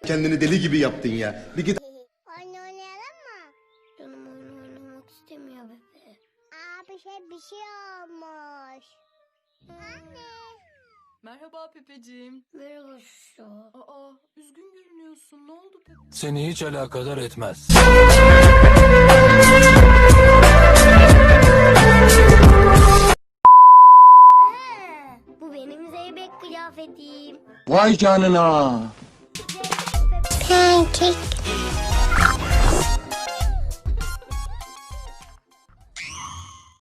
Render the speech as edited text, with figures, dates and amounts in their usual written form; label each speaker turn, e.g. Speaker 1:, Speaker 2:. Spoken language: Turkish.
Speaker 1: Kendini deli gibi yaptın ya. Bir git.
Speaker 2: Oyun oynayalım mı?
Speaker 3: Canım oyun oynamak istemiyor bebe.
Speaker 2: Bir şey olmuş. Anne.
Speaker 4: Merhaba Pepeciğim.
Speaker 3: Merhaba şu.
Speaker 4: Aa, üzgün görünüyorsun. Ne oldu Pepe?
Speaker 5: Seni hiç alakadar etmez.
Speaker 3: Bu benim zeybek kıyafetim.
Speaker 5: Vay canına.
Speaker 2: Pancake.